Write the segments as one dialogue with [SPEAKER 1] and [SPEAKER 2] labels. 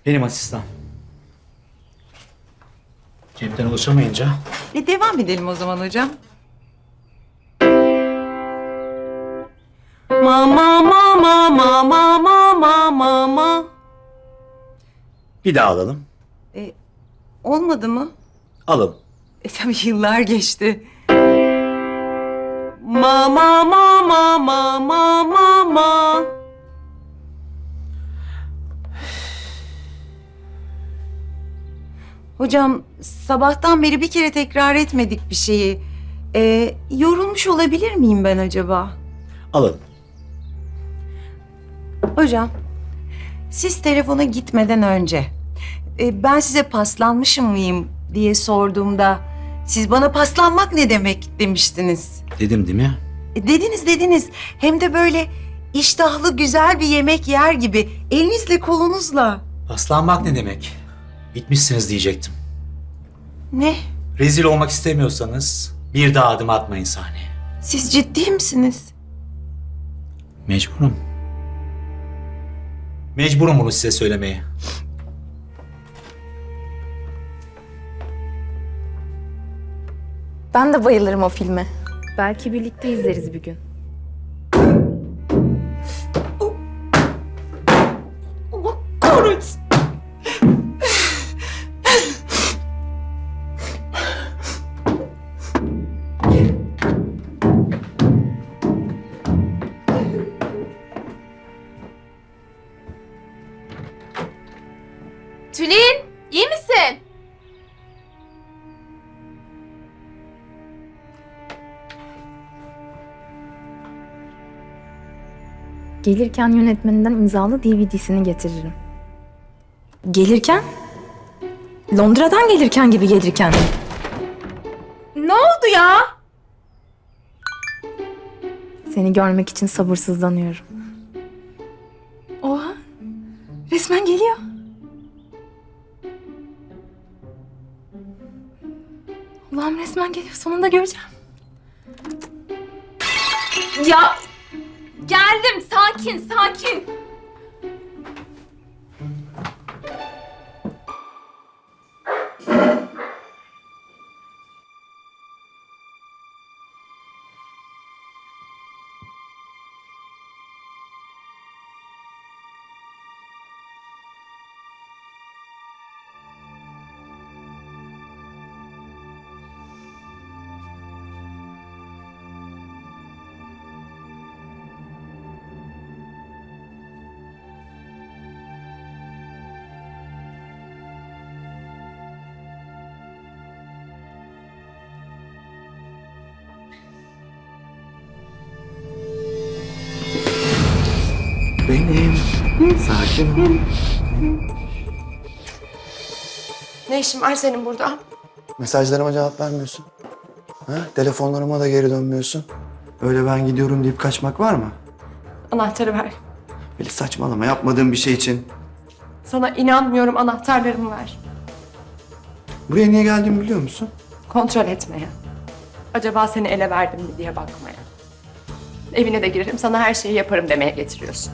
[SPEAKER 1] Benim asistan. Cepten ulaşamayınca.
[SPEAKER 2] Devam edelim o zaman hocam. Ma.
[SPEAKER 1] Bir daha alalım.
[SPEAKER 2] Olmadı mı?
[SPEAKER 1] Alalım.
[SPEAKER 2] Tabii yıllar geçti. Ma. Hocam sabahtan beri bir kere tekrar etmedik bir şeyi. Yorulmuş olabilir miyim ben acaba?
[SPEAKER 1] Alalım.
[SPEAKER 2] Hocam, siz telefona gitmeden önce ben size paslanmışım mıyım diye sorduğumda siz bana paslanmak ne demek demiştiniz.
[SPEAKER 1] Dedim değil mi?
[SPEAKER 2] Dediniz. Hem de böyle iştahlı güzel bir yemek yer gibi elinizle kolunuzla.
[SPEAKER 1] Paslanmak ne demek? Bitmişsiniz diyecektim.
[SPEAKER 2] Ne?
[SPEAKER 1] Rezil olmak istemiyorsanız bir daha adım atmayın sahneye.
[SPEAKER 2] Siz ciddi misiniz?
[SPEAKER 1] Mecburum. Mecburum bunu size söylemeye.
[SPEAKER 3] Ben de bayılırım o filme. Belki birlikte izleriz bir gün.
[SPEAKER 2] Allah kahretsin.
[SPEAKER 3] Tülin, iyi misin? Gelirken yönetmeninden imzalı DVD'sini getiririm. Gelirken? Londra'dan gelirken gibi gelirken. Ne oldu ya? Seni görmek için sabırsızlanıyorum. Oha, resmen geliyor. Allah'ım resmen geliyor. Sonunda göreceğim. Ya geldim. Sakin.
[SPEAKER 4] Benim. Sakin ol.
[SPEAKER 5] Ne işin var senin burada?
[SPEAKER 4] Mesajlarıma cevap vermiyorsun. Ha? Telefonlarıma da geri dönmüyorsun. Öyle ben gidiyorum deyip kaçmak var mı?
[SPEAKER 5] Anahtarı ver.
[SPEAKER 4] Böyle saçmalama, yapmadığım bir şey için.
[SPEAKER 5] Sana inanmıyorum, anahtarlarımı ver.
[SPEAKER 4] Buraya niye geldiğimi biliyor musun?
[SPEAKER 5] Kontrol etmeye. Acaba seni ele verdim mi diye bakmaya. Evine de girerim, sana her şeyi yaparım demeye getiriyorsun.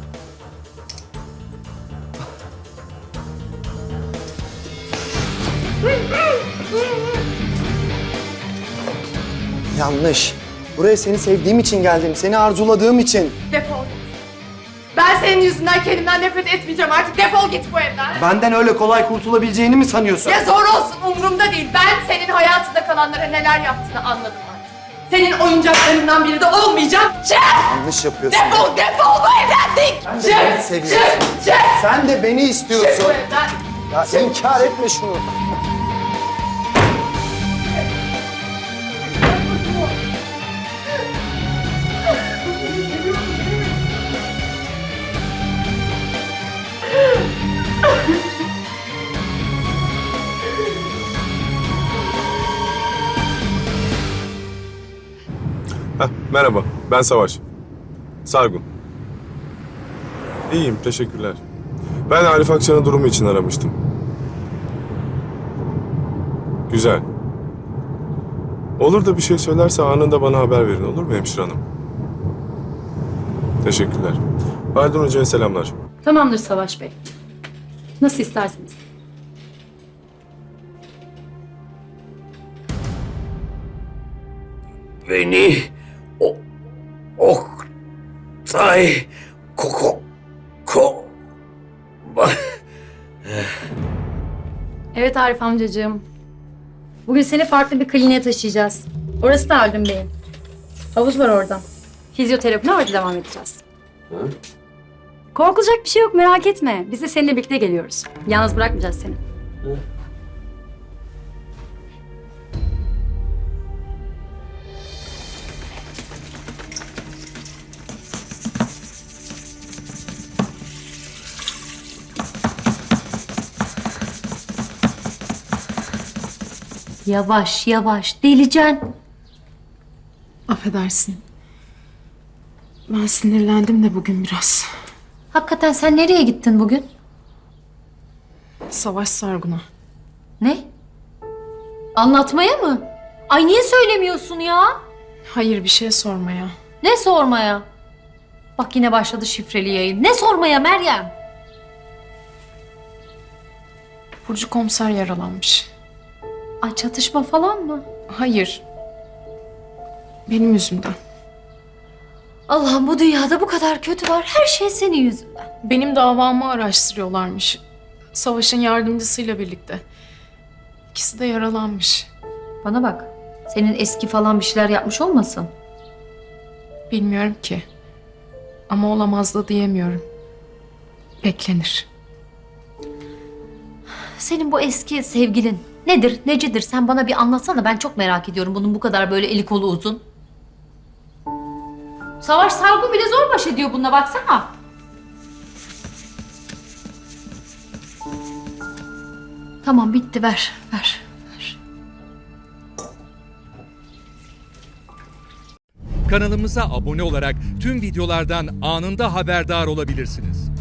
[SPEAKER 4] Yanlış. Buraya seni sevdiğim için geldim, seni arzuladığım için.
[SPEAKER 5] Defol git. Ben senin yüzünden kendimden nefret etmeyeceğim artık. Defol git bu evden.
[SPEAKER 4] Benden öyle kolay kurtulabileceğini mi sanıyorsun?
[SPEAKER 5] Ya zor olsun, umurumda değil. Ben senin hayatında kalanlara neler yaptığını anladım artık. Senin oyuncaklarından biri de olmayacağım. Çık!
[SPEAKER 4] Yanlış yapıyorsun.
[SPEAKER 5] Defol bu evden dik!
[SPEAKER 4] Sen de beni seviyorsun.
[SPEAKER 5] Çık!
[SPEAKER 4] Sen de beni
[SPEAKER 5] Çık
[SPEAKER 4] istiyorsun.
[SPEAKER 5] bu evden!
[SPEAKER 4] Ya inkar etme şunu.
[SPEAKER 6] Merhaba, ben Savaş. Sargun. İyiyim, teşekkürler. Ben Arif Akçan'ın durumu için aramıştım. Güzel. Olur da bir şey söylerse anında bana haber verin, olur mu hemşire hanım? Teşekkürler. Haldun Hoca'ya selamlar.
[SPEAKER 7] Tamamdır Savaş Bey. Nasıl isterseniz.
[SPEAKER 8] Beni Oktay ko
[SPEAKER 7] Evet Arif amcacığım. Bugün seni farklı bir kliniğe taşıyacağız. Orası da Haldun Bey'in. Havuz var orada. Fizyoterapine orada devam edeceğiz. Korkulacak bir şey yok, merak etme. Biz de seninle birlikte geliyoruz. Yalnız bırakmayacağız seni.
[SPEAKER 9] Yavaş yavaş delicen.
[SPEAKER 10] Affedersin. Ben sinirlendim de bugün biraz.
[SPEAKER 9] Hakikaten sen nereye gittin bugün?
[SPEAKER 10] Savaş Sargun'a.
[SPEAKER 9] Ne? Anlatmaya mı? Ay niye söylemiyorsun ya?
[SPEAKER 10] Hayır, bir şey sormaya.
[SPEAKER 9] Ne sormaya? Bak yine başladı şifreli yayın. Ne sormaya Meryem?
[SPEAKER 10] Burcu komiser yaralanmış.
[SPEAKER 9] Ay çatışma falan mı?
[SPEAKER 10] Hayır. Benim yüzümden.
[SPEAKER 9] Allah'ım bu dünyada bu kadar kötü var. Her şey senin yüzünden.
[SPEAKER 10] Benim davamı araştırıyorlarmış. Savaş'ın yardımcısıyla birlikte. İkisi de yaralanmış.
[SPEAKER 9] Bana bak. Senin eski falan bir şeyler yapmış olmasın?
[SPEAKER 10] Bilmiyorum ki. Ama olamaz da diyemiyorum. Beklenir.
[SPEAKER 9] Senin bu eski sevgilin nedir, necidir? Sen bana bir anlatsana. Ben çok merak ediyorum bunun bu kadar böyle eli kolu uzun. Savaş Sargun bile zor baş ediyor bununla baksana. Tamam bitti ver.
[SPEAKER 11] Kanalımıza abone olarak tüm videolardan anında haberdar olabilirsiniz.